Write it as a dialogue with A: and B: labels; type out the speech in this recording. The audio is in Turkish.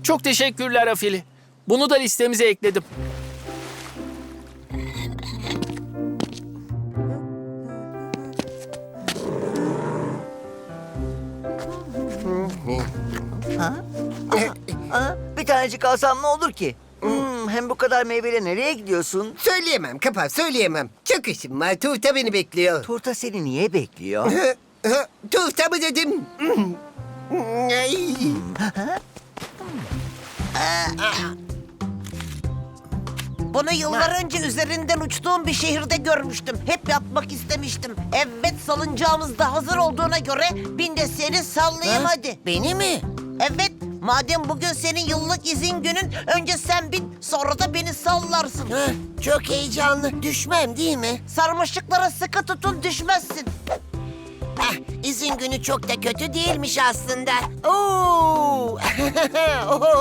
A: Çok teşekkürler Afili. Bunu da listemize ekledim.
B: Bir tanecik alsam ne olur ki? Hem bu kadar meyveyle nereye gidiyorsun?
C: Söyleyemem Kapar, söyleyemem. Çok işim var. Tuğta beni bekliyor.
B: Turta seni niye bekliyor?
C: Tuğta mı dedim? Ay.
D: Bunu yıllar önce üzerinden uçtuğum bir şehirde görmüştüm. Hep yapmak istemiştim. Evet, salıncağımız da hazır olduğuna göre bin de seni sallayayım hadi.
C: Beni mi?
D: Evet, madem bugün senin yıllık izin günün, önce sen bin, sonra da beni sallarsın.
C: Çok heyecanlı. Düşmem değil mi?
D: Sarmaşıklara sıkı tutun, düşmezsin.
C: İzin günü çok da kötü değilmiş aslında. Oo!